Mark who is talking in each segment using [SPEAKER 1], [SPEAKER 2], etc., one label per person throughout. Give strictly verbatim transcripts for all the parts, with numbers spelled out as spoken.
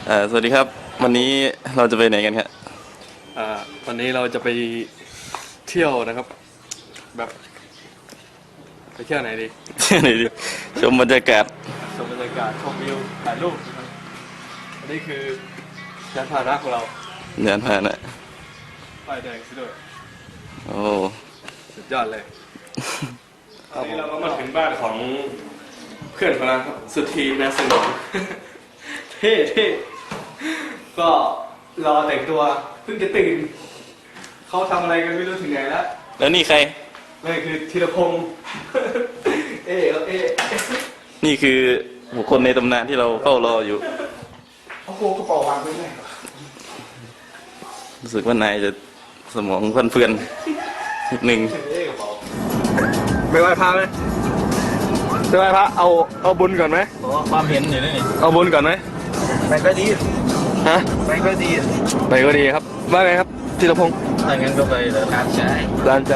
[SPEAKER 1] อ่าสวัสดีครับวันนี้เราจะไปไหนกันครับ
[SPEAKER 2] อ่าวันนี้เราจะไปเที่ยวนะครับแบบไปเที่ยวไหนดี
[SPEAKER 1] ไหนดิชมบรรยากาศ
[SPEAKER 2] ชมบรรยากาศชมวิวถ่ายรูปนะครับอันนี้คือยานพาหนะของเรา
[SPEAKER 1] เดินผ่านนะ
[SPEAKER 2] ป้ายแดงซะด้วย
[SPEAKER 1] โอ้
[SPEAKER 2] สุดยอดเลยตอนนี้เราก็มาถึงบ้านของเพื่อนของเราครับสุธีนาสนอง เท่เท่ก็รอแต่งตัวเพิ่งจะตื่นเขาทำอะไรกันไม่รู้ถึงไหนแล้ว
[SPEAKER 1] แล้วนี่ใคร
[SPEAKER 2] นี่คือธีรพงศ์ เอ๊ะเอ๊ะ
[SPEAKER 1] นี่คือบุคคลในตำนานที่เราเฝ้ารออยู่
[SPEAKER 2] โอ้โหกระเป๋าวางไว้ไหนวะ
[SPEAKER 1] รู้สึกว่านายจะสมองฟันเฟือนนิดนึง
[SPEAKER 2] ไม่ไหวพระไหมไม่ไหวพระเอาเอาบุญก่อนไหม
[SPEAKER 1] ความเห็นอยู่นี่
[SPEAKER 2] เอาบุญก่อนไหม
[SPEAKER 3] ไปก็ดี
[SPEAKER 2] ฮะ
[SPEAKER 3] ไปก็ดี
[SPEAKER 2] ไปก็ดีครับว่าไงครับธีรพงศ์
[SPEAKER 1] ถ้างั้นก็ไปเลยร้านใจ
[SPEAKER 2] ร้านใจ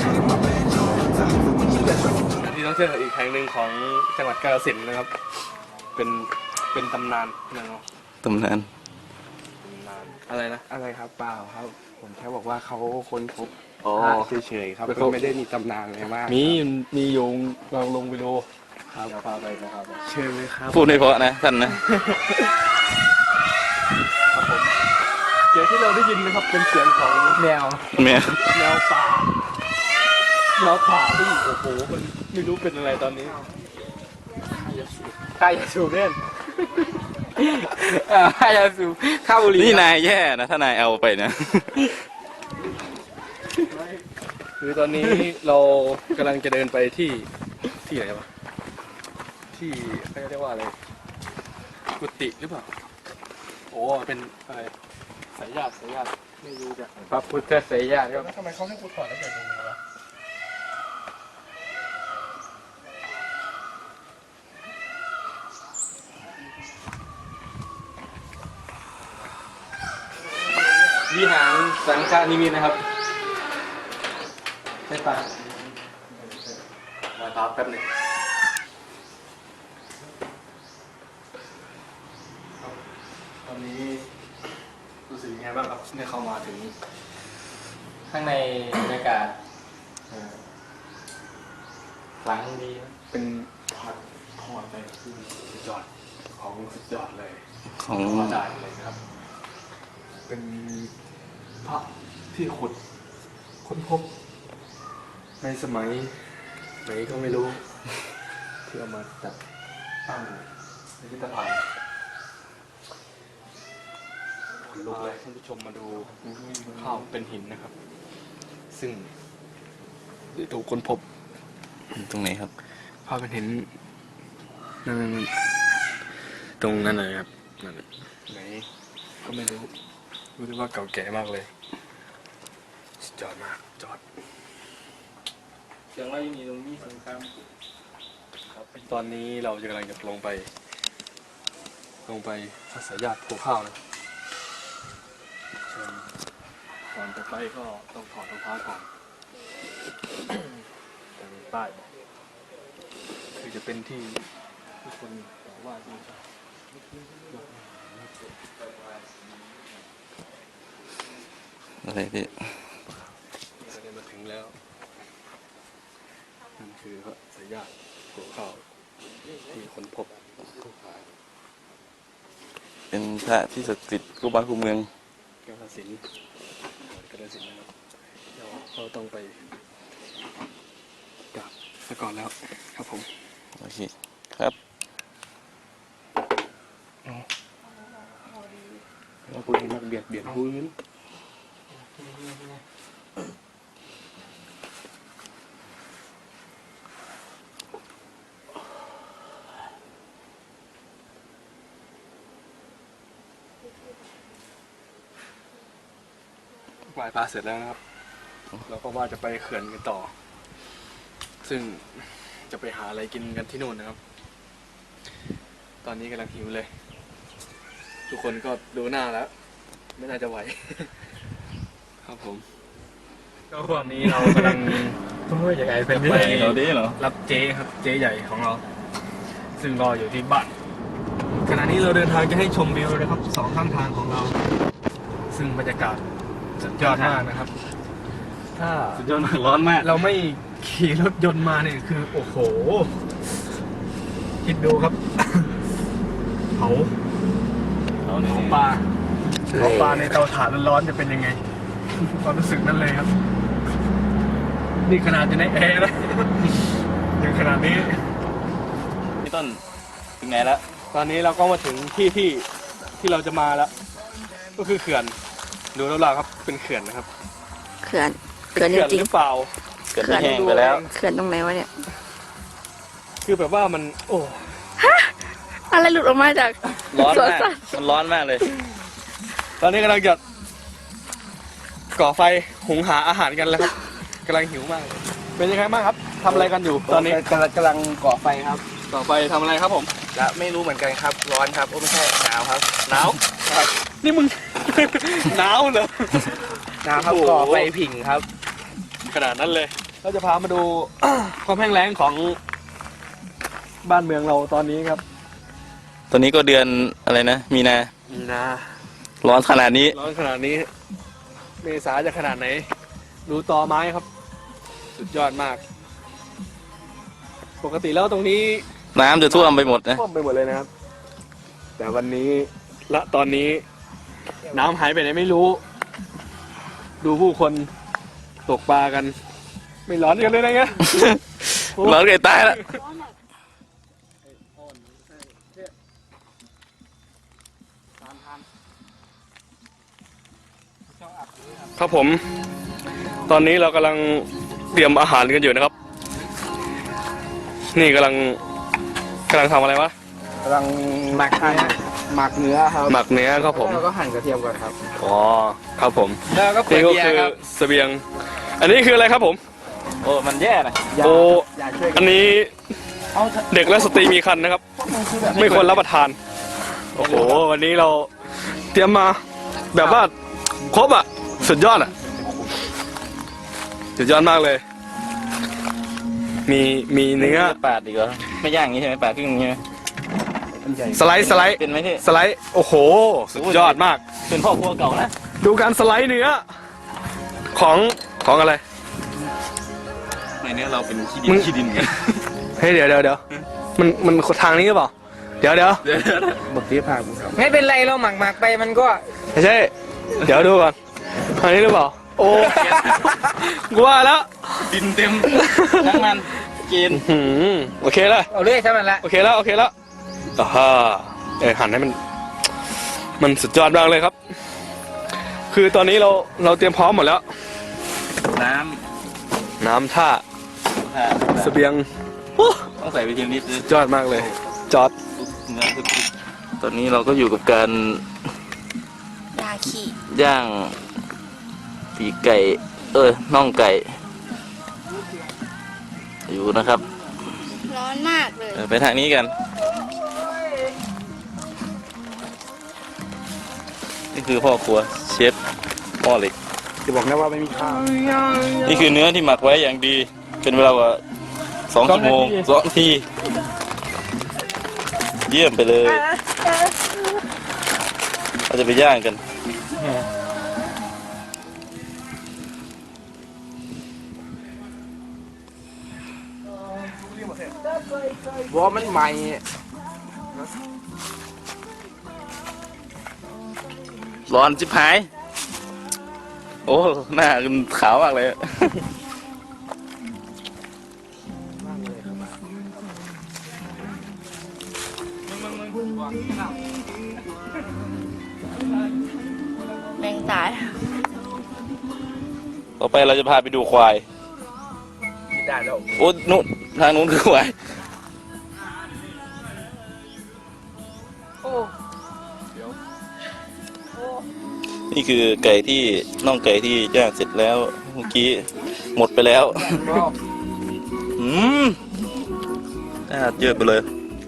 [SPEAKER 2] ที่ท่องเที่ยวอีกแห่งหนึ่งของจังหวัดกาฬสินธุ์นะครับเป็นเป็นตำนานนะเนาะ
[SPEAKER 1] ตำนาน
[SPEAKER 2] อะไรนะ
[SPEAKER 3] อะไรครับเปล่าครับ ผมแค่บอกว่าเขาค้นพบ
[SPEAKER 2] อ๋อ
[SPEAKER 3] เฉยๆครับไม่ได้มีตำนานอะไรมาก
[SPEAKER 2] มีมีโยงลองลงไปดู
[SPEAKER 3] ครับพาไปนะครับเชิญเลยครับ
[SPEAKER 1] พูดให้เพราะนะท่านนะ
[SPEAKER 2] เสียงที่เราได้ยินนะครับเป็นเสียงของแมว
[SPEAKER 1] แมว
[SPEAKER 2] แมวป่าแมวป่าที่โอ้โหมันไม่รู้เป็นอะไรตอนนี้
[SPEAKER 3] ใครจะสูบเล่นใครจะสูบข้าวบุหรี่
[SPEAKER 1] นี่นายแย่นะถ้านายเอาไปนะ
[SPEAKER 2] คือตอนนี้เรากำลังจะเดินไปที่ที่ไหนวะที่เขาเรียกว่าอะไรกุฏิหรือเปล่าโอ้เป็นอะไรสายญาติสายญาติไม่รู้จัก
[SPEAKER 3] พระพุทธเสียา
[SPEAKER 2] แล้วทำไมเขาให้กูถอดแล้วเกิดตรงนี้วะวิหารสังฆานิมิตนะครับใช่ปะมาตามแป๊บหนึ่งตอนนี้รู้สึกยังไงบ้างครับเนี่ยเข้ามาถึง
[SPEAKER 3] ข้างในบรรยากาศหลังดี
[SPEAKER 2] เป็นผัดทอดไปที่สุดยอดของสุดยอดเลย
[SPEAKER 1] ของ
[SPEAKER 2] ได้เลยนะครับเป็นพระที่ขุดค้นพบในสมัยไหนก็ไม่รู้ที่เอามาจัดตั้งในพิพิธภัณฑ์ขนลุกเลยท่านผู้ชมมาดูข้าวเป็นหินนะครับซึ่งถูกค้นพบ
[SPEAKER 1] ตรงไหนครับ
[SPEAKER 2] ข้าวเป็นหินนั่นตรงนั้นเลยครับนั่นไหนก็ไม่รู้รู้แต่ว่าเก่าแก่มากเลยจอดมากจอด
[SPEAKER 3] เสียงว่ายังมีตรงนี้สงคราม
[SPEAKER 2] ครับตอนนี้เราจะกำลังจะลงไปลงไปพัสยาติภูข้าวนะก่อนจะไปก็ต้องถอดรองเท้าก่อนแต่มีป้ายคือจะเป็นที่ทุกคนบอกว่าที่
[SPEAKER 1] อะไรพี่
[SPEAKER 2] เราได้มาถึงแล้วนั่นคือพระสายญาติภูข้าวที่ค้นพบ
[SPEAKER 1] เป็นพระที่ศักดิ์สิทธิ์คู่บ้านคู่เมือง
[SPEAKER 2] กาฬสินธุ์กาฬสินธุ์นะครับเราต้องไปกราบซะก่อนแล้วครับผม
[SPEAKER 1] โอเคครับ
[SPEAKER 2] เราคุยกันเบียดเบียดพื้นไหว้พระเสร็จแล้วนะครับเราก็ว่าจะไปเขื่อนกันต่อซึ่งจะไปหาอะไรกินกันที่นู่นนะครับตอนนี้กำลังหิวเลยทุกคนก็ดูหน้าแล้วไม่น่าจะไหวครับผมก็วันนี้เรากำลังยังไงเป็นไปเราดีเหรอรับเจ๊ครับเจ๊ใหญ่ของเราซึ่งรออยู่ที่บ้านขณะนี้เราเดินทางจะให้ชมวิวนะครับสองข้างทางของเรา ซึ่งบรรยากาศสุดยอดมากนะครับ ถ้า
[SPEAKER 1] สุดยอดมากร้อนมาก
[SPEAKER 2] เราไม่ขี่รถยนต์มาเนี่ยคือ โอ้โห คิดดูครับ เผา
[SPEAKER 1] เอา
[SPEAKER 2] เผา
[SPEAKER 1] เนี่ย
[SPEAKER 2] ปลาเผาปลาในเตาถ่านร้อนๆจะเป็นยังไง ความรู้สึกนั้นเลยครับ นี่ขนาดจะในแอร์นะ ยังขนาดนี้
[SPEAKER 1] พี่ต้นถึงไหนแล้ว
[SPEAKER 2] ตอนนี้เราก็มาถึงที่ที่ที่เราจะมาแล้ว ก็คือเขื่อน ดูแล้วเราครับเป็นเขื่อนนะครับ
[SPEAKER 4] เขื่อน
[SPEAKER 2] เป็น
[SPEAKER 4] เขื่อน
[SPEAKER 2] เขื่อน
[SPEAKER 4] จริง
[SPEAKER 2] หรือเปล่า
[SPEAKER 1] เกิดไม่แห้งไปแล้ว
[SPEAKER 4] ๆเขื่อนตรงไหนวะเนี่ย
[SPEAKER 2] คือแบบว่ามัน โอ้
[SPEAKER 4] อะไรหลุดออกมาจาก
[SPEAKER 1] ร้อน
[SPEAKER 4] สวน
[SPEAKER 1] มาก
[SPEAKER 4] สัตว์
[SPEAKER 1] มันร้อนมากเลย
[SPEAKER 2] ตอนนี้กำลังจะก่อไฟหุงหาอาหารกันแล้วครับกำลังหิวมาก เป็นยังไงบ้างครับทำอะไรกันอยู่ตอนนี้
[SPEAKER 3] กำลังกำลังก่อไฟครับ
[SPEAKER 2] ก่อไฟทำอะไรครับผม
[SPEAKER 3] และไม่รู้เหมือนกันครับ ร้อนครับโอ้ไม่ใช่หนาวครับ
[SPEAKER 2] หนาวนี่มึง หนาวเหรอ
[SPEAKER 3] หนาวครับ
[SPEAKER 2] โอ้โห
[SPEAKER 3] ก่อไฟผิงครับ
[SPEAKER 2] ขนาดนั้นเลย เราจะพามาดู ความแห้งแล้งของบ้านเมืองเราตอนนี้ครับ
[SPEAKER 1] ตอนนี้ก็เดือนอะไรนะ มีนา
[SPEAKER 2] นี่นะ
[SPEAKER 1] ร้อนขนาดนี้
[SPEAKER 2] ร้อนขนาดนี้ เมษาจะขนาดไหน ดูตอไม้ครับ สุดยอดมาก ปกติแล้วตรงนี้
[SPEAKER 1] น้ำจะท่วมไปหมดนะ
[SPEAKER 2] ท่วมไปหมดเลยนะครับ แต่วันนี้และตอนนี้ น้ำหายไปไหนไม่รู้ ดูผู้คนตกปลากัน ไม่ร้อนกันเลยนะเงี้ย
[SPEAKER 1] ร้อนเกินตายแล้ว
[SPEAKER 2] ครับผม ตอนนี้เรากำลังเตรียมอาหารกันอยู่นะครับ นี่กำลังกำลังทำอะไรวะ
[SPEAKER 3] กำลังหมักหมักเนื้อครับ
[SPEAKER 2] หมักเนื้อครับผม
[SPEAKER 3] แล้วก็หั่นกระเทียมก่อนครับ
[SPEAKER 2] อ๋อ ครับผม
[SPEAKER 3] แล้วก็ขวด
[SPEAKER 2] นี่ก็
[SPEAKER 3] เบีย
[SPEAKER 2] คื
[SPEAKER 3] ร์
[SPEAKER 2] อ
[SPEAKER 3] ครับ
[SPEAKER 2] เสบียง อันนี้คืออะไรครับผม
[SPEAKER 1] โอ้ มันแย่นะ
[SPEAKER 3] อย่า
[SPEAKER 2] โอ้
[SPEAKER 3] อย่าช่วยกั
[SPEAKER 2] อั
[SPEAKER 3] น
[SPEAKER 2] นนี้
[SPEAKER 3] เอา
[SPEAKER 2] เด็กและสตรีมีครรภ์นะครับ ไม่ควรรับประทาน โอ้โห วันนี้เราเตรียมมาแบบว่าครบอ่ะ สุดยอดอ่ะ สุดยอดมากเลย มีมีเนื้อ
[SPEAKER 1] ปาดดีกว่าไม่ย่างอย่างนี้ใช่ไหมปาดครึ่งอย่างนี้ใช่ไหม
[SPEAKER 2] สไลด์สไลด์
[SPEAKER 1] เป็นไหมพี่
[SPEAKER 2] สไลด์ โอ้โห สุดยอดมาก
[SPEAKER 1] เป็นพ่อครัวเก่านะ
[SPEAKER 2] ดูการสไลด์เนื้อ ของของอะไร
[SPEAKER 1] ในเนี้ยเราเป็นขี้ดิ
[SPEAKER 2] มึ
[SPEAKER 1] น
[SPEAKER 2] ง
[SPEAKER 1] ขี้ดินกัน
[SPEAKER 2] เฮ้ยเดี๋ยวเดี๋ยวเดี๋ยวมันมันทางนี้หรือเปล่า เดี๋ยวเดี๋ยว
[SPEAKER 1] เดี๋ยวเดี๋ยวเดี๋ยว
[SPEAKER 3] บทที่ผ่านไม่เป็นไรเราหมักหมักไปมันก็
[SPEAKER 2] ไม่ใช่ เดี๋ยวดูก่อนทางนี้หรือเปล่า โอ้กูว่าแล้ว
[SPEAKER 1] ดินเต็มทั้งมันกิน
[SPEAKER 2] หืมโอเคแล้ว
[SPEAKER 3] เอาเรื่อยใช่ไหมละ
[SPEAKER 2] โอเคแล้วโอเคแล้วอ่าฮะเออหั่นให้มัน มันสุดยอดมากเลยครับ คือตอนนี้เราเราเตรียมพร้อมหมดแล้ว
[SPEAKER 1] น้
[SPEAKER 2] น้ำท่า
[SPEAKER 1] ำถ้า
[SPEAKER 2] เสบียงโอ้
[SPEAKER 1] ต้องใส่ไปทีละนิดเลย
[SPEAKER 2] ยอดมากเลย จอด
[SPEAKER 1] เนื้อทุกตอนนี้เราก็อยู่กับการ
[SPEAKER 4] ยาขี่
[SPEAKER 1] ย่างปีกไก่ เออน่องไก่ อยู่นะครับ
[SPEAKER 4] ร้อนมากเลย
[SPEAKER 1] เออไปทางนี้กัน นี่คือพ่อครัวเชฟหม้อเหล็ก
[SPEAKER 3] จะบอกนะว่าไม่มีข้าว
[SPEAKER 1] นี่คือเนื้อที่หมักไว้อย่างดี เป็นเวลากว่าสองชั่วโมงสองนาที เยี่ยมไปเลย เราจะไปย่างกัน
[SPEAKER 3] บอกว่ามันใหม่
[SPEAKER 1] ร้อนจิบหาย โอ้ หน้าคุณขาวมากเลย
[SPEAKER 4] แมงตาย
[SPEAKER 1] ต่อไปเราจะพาไปดูควาย
[SPEAKER 3] ได้แล้ว
[SPEAKER 1] โอ้นู่นทางนู้นคือควาย นี่คือไก่ที่น่องไก่ที่ย่างเสร็จแล้วเมื่อกี้หมดไปแล้ว อืมน่าเยอะไปเลย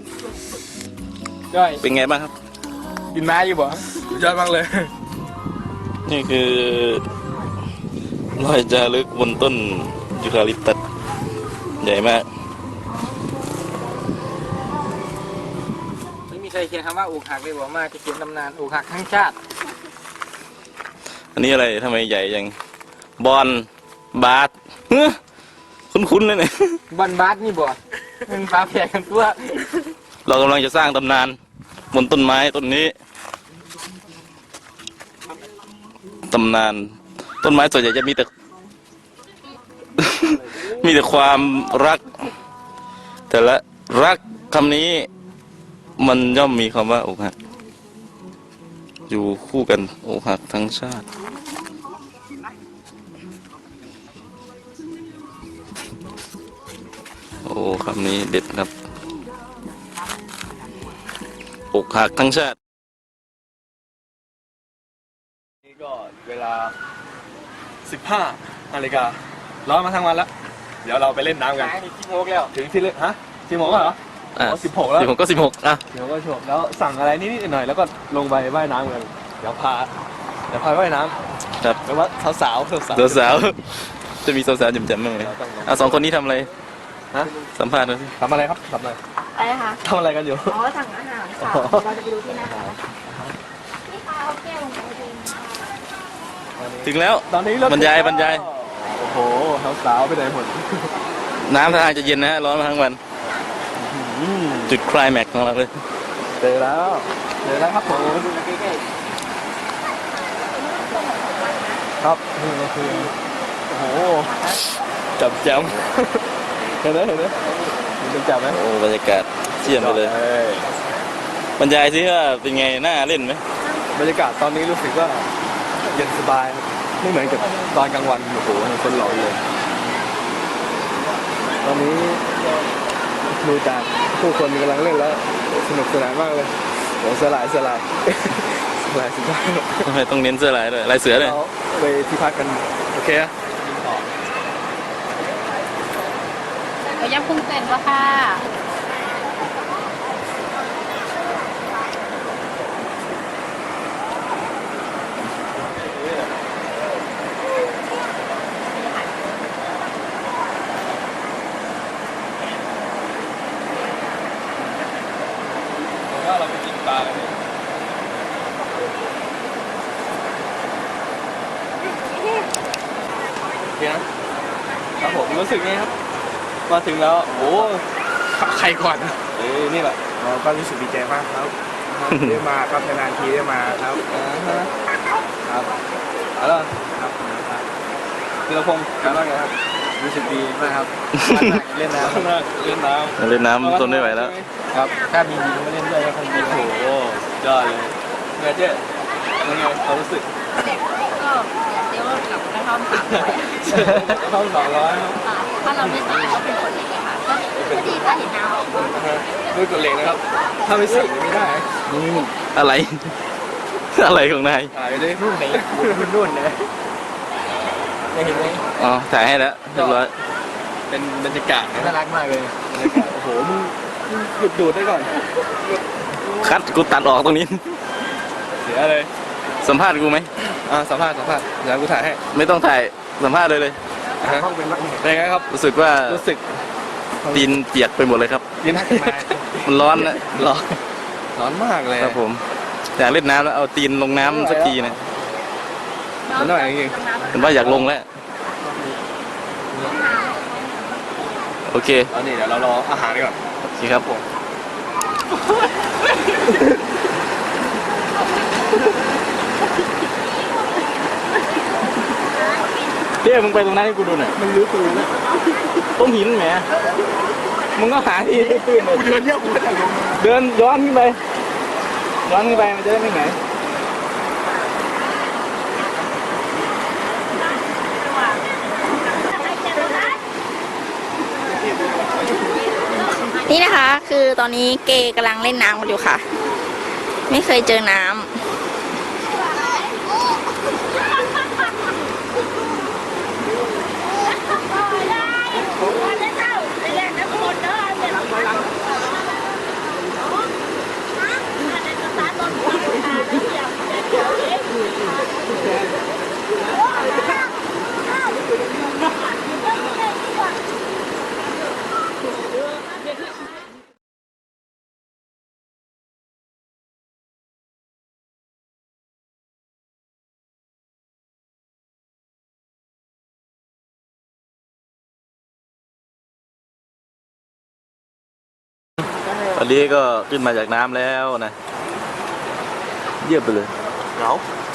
[SPEAKER 2] ย่อย
[SPEAKER 1] เป็นไงบ้างครับ
[SPEAKER 2] กินไม้อยู่บ่สุดยอดมากเลย
[SPEAKER 1] นี่คือรอยจารึกบนต้นยูคาลิปตัสใหญ่มาก
[SPEAKER 3] ไม่มีมีใครเขียนคำว่าอกหักเลยบอกมาจะเขียนตำนานอกหักทั้งชาติ
[SPEAKER 1] อันนี้อะไรทำไมใหญ่ยังบอลบาสเฮ้ยคุ้นๆเลยเนี่ย
[SPEAKER 3] บอลบาสนี่บ่มันฟ้าแผ่กันตัว
[SPEAKER 1] เรากำลังจะสร้างตำนานบนต้นไม้ต้นนี้ตำนานต้นไม้ส่วนใหญ่จะมีแต่ มีแต่ความรัก แต่ละรักคำนี้มันย่อมมีคำว่าอกหักอยู่คู่กันอกหักทั้งชาติโอ้คำนี้เด็ดครับอกหักทั้งชาติ
[SPEAKER 2] นี่ก็เวลาสิบห้านาฬิการ้อนมาทั้งวันแล้วเดี๋ยวเราไปเล่นน้ำกัน
[SPEAKER 3] นี่ที่โมกแล้ว
[SPEAKER 2] ถึงที่เล่นฮะสิบโมงแล้วเหรอ
[SPEAKER 1] อ่ะ
[SPEAKER 2] อ๋อสิบหกแล้ว
[SPEAKER 1] สิบหกก็สิบหกอ่ะ
[SPEAKER 2] เดี๋ยวก็ชมแล้วสั่งอะไรนิดๆหน่อยๆแล้วก็ลงไปว่ายน้ำกันเดี๋ยวพาเดี๋ยวพาว่ายน้ำ
[SPEAKER 1] ครับ
[SPEAKER 2] แปลว่าสาวๆสาวๆ
[SPEAKER 1] สาวสาวๆจะมีสาวสาวๆจำๆบ้างไหมอ่ะสองคนนี้ทำอะไร
[SPEAKER 2] ฮะ
[SPEAKER 1] สัมภาษณ์หน่อยสิ
[SPEAKER 2] ทำอะไรครับทำอะไร
[SPEAKER 4] อะไรคะ
[SPEAKER 2] ทำอะไรกันอยู่
[SPEAKER 4] อ๋อ สั่งอาหารค่ะ
[SPEAKER 2] อ๋อ
[SPEAKER 4] เราจะไปดูที่หน้าร้านนี่ค่ะเอาแก้วลงไปเองค่ะ
[SPEAKER 1] ถึงแล้ว
[SPEAKER 2] ตอนนี้เริ่ม
[SPEAKER 1] บรรยายบรรยาย
[SPEAKER 2] โอ้โหสาวๆไปไหนหมด
[SPEAKER 1] น้ำท่าทางจะเย็นนะฮะร้อนมาทั้งวัน
[SPEAKER 2] อืม
[SPEAKER 1] จุดไคลแม็กซ์ของเราเลย
[SPEAKER 2] เจอแล้วเจอแล้วครับผมครับนี่ก็คือโอ้โหจับแจม เห็นไหมเห็นไหมมันเป็นจับไหม
[SPEAKER 1] โอ้บรรยากาศเชี่ยมไปเลย
[SPEAKER 2] อ้ย
[SPEAKER 1] บรรยายสิว่าเป็นไงน่าเล่นไหม
[SPEAKER 2] บรรยากาศตอนนี้รู้สึกว่าเย็นสบายครับไม่เหมือนกับตอนกลางวันโอ้โหคนหลอนเลย ตอนนี้ดูจากผู้คนกำลังเล่นแล้วสนุกสนานมากเลยโอ้สลายสลาย สลายสุดยอด
[SPEAKER 1] ทำไมต้องเน้นเสื้อลายด้วยลายเสือเลย
[SPEAKER 2] เราไปที่พักกันโอเคอะ
[SPEAKER 4] เอาย่างกุ้งเต้นวะค่ะ
[SPEAKER 2] ก็เราไปกินปลากันเนี่ยโอเคนะครับผมรู้สึกไงครับ มาถึงแล้วโอ้ใครก่อนเอ้ยนี่แหละ
[SPEAKER 3] เราก็รู้สึกดีใจมากครับได้มาครับนานๆทีได้มาครับ
[SPEAKER 2] อ่าฮะครับเอาล่ะ
[SPEAKER 3] ครับ
[SPEAKER 2] ธีรพงศ์เป็นว่าไงครับ
[SPEAKER 3] รู้สึกดีมากครับเล่นน้
[SPEAKER 2] เล่นน้ำ
[SPEAKER 1] เล่นน้ำทนไม่ไหวแล้ว
[SPEAKER 3] ำครับถ้ามีดีก็มาเล่นด้วยก็คงดี
[SPEAKER 2] โอ้โหยอดเลยเงยเจ๊เป็นไงความรู้สึก
[SPEAKER 4] ก็เดี๋ยวกับกระท่อมสามร้อย
[SPEAKER 2] เข้าสองร้อยครับ
[SPEAKER 4] ถ้าเราไม่ใส่ก็เป็นคนอย่างเงี้ยค่ะก็ก็ดีถ้าเห็นน้ำออกมา
[SPEAKER 2] นะฮะด้วยกฎเหล็กนะครับ ถ้าไม่ใส่ไม่ได้
[SPEAKER 1] อะไร อะไรของนาย
[SPEAKER 2] ถ่ายไปเลยนู่นไหนนู่นเลยยังเห็นไหม
[SPEAKER 1] อ๋อถ่ายให้แล้วเรียบร้อย
[SPEAKER 2] เป็นบรรยากาศนะ
[SPEAKER 3] น่ารักมากเลย
[SPEAKER 2] บรรยากาศโอ้โหมึงมึงหยุดดูดได้ก่อน
[SPEAKER 1] คัดกูตัดออกตรงนี้
[SPEAKER 2] เสียเลย
[SPEAKER 1] สัมภาษณ์กูไหม
[SPEAKER 2] อ่าสัมภาษณ์สัมภาษณ์เดี๋ยวกูถ่ายให้
[SPEAKER 1] ไม่ต้องถ่ายสัมภาษณ์เลยเลย
[SPEAKER 2] อ่าฮะเป็นไงครับ
[SPEAKER 1] รู้สึกว่า
[SPEAKER 2] รู้สึก
[SPEAKER 1] ตีนเปียกไปหมดเลยครับ
[SPEAKER 2] ยินดีมา
[SPEAKER 1] มันร้อนนะ
[SPEAKER 2] ร้อนร้อนมากเลย
[SPEAKER 1] ครับผมอยากเล่นน้ำแล้วเอาตีนลงน้ำสักทีนะ
[SPEAKER 2] มันหน่อยจริง
[SPEAKER 1] เห็นว่าอยากลงแล้ว โอเค
[SPEAKER 2] ๆตอนนี้เดี๋ยวเรารออาหารก่อน
[SPEAKER 1] โอเคครับผมเดี๋ยวมึงไปตรงนั้นให้กูดูหน่อย
[SPEAKER 2] มันรู้ตัวแล้ว
[SPEAKER 1] ต้นหินแหมมึงก็หาที่ตื้นๆเลย
[SPEAKER 2] กูเดินเนี่ยกูก็จะลง
[SPEAKER 1] เดินย้อนขึ้นไป ย้อนขึ้นไปมันจะได้ไม่เหนื่อย
[SPEAKER 4] นี่นะคะ คือตอนนี้เกย์กำลังเล่นน้ำกันอยู่ค่ะ ไม่เคยเจอน้ำ
[SPEAKER 1] ตอนนี้ก็ขึ้นมาจากน้ำแล้วนะ เยี่ยมไปเลย
[SPEAKER 2] เหงา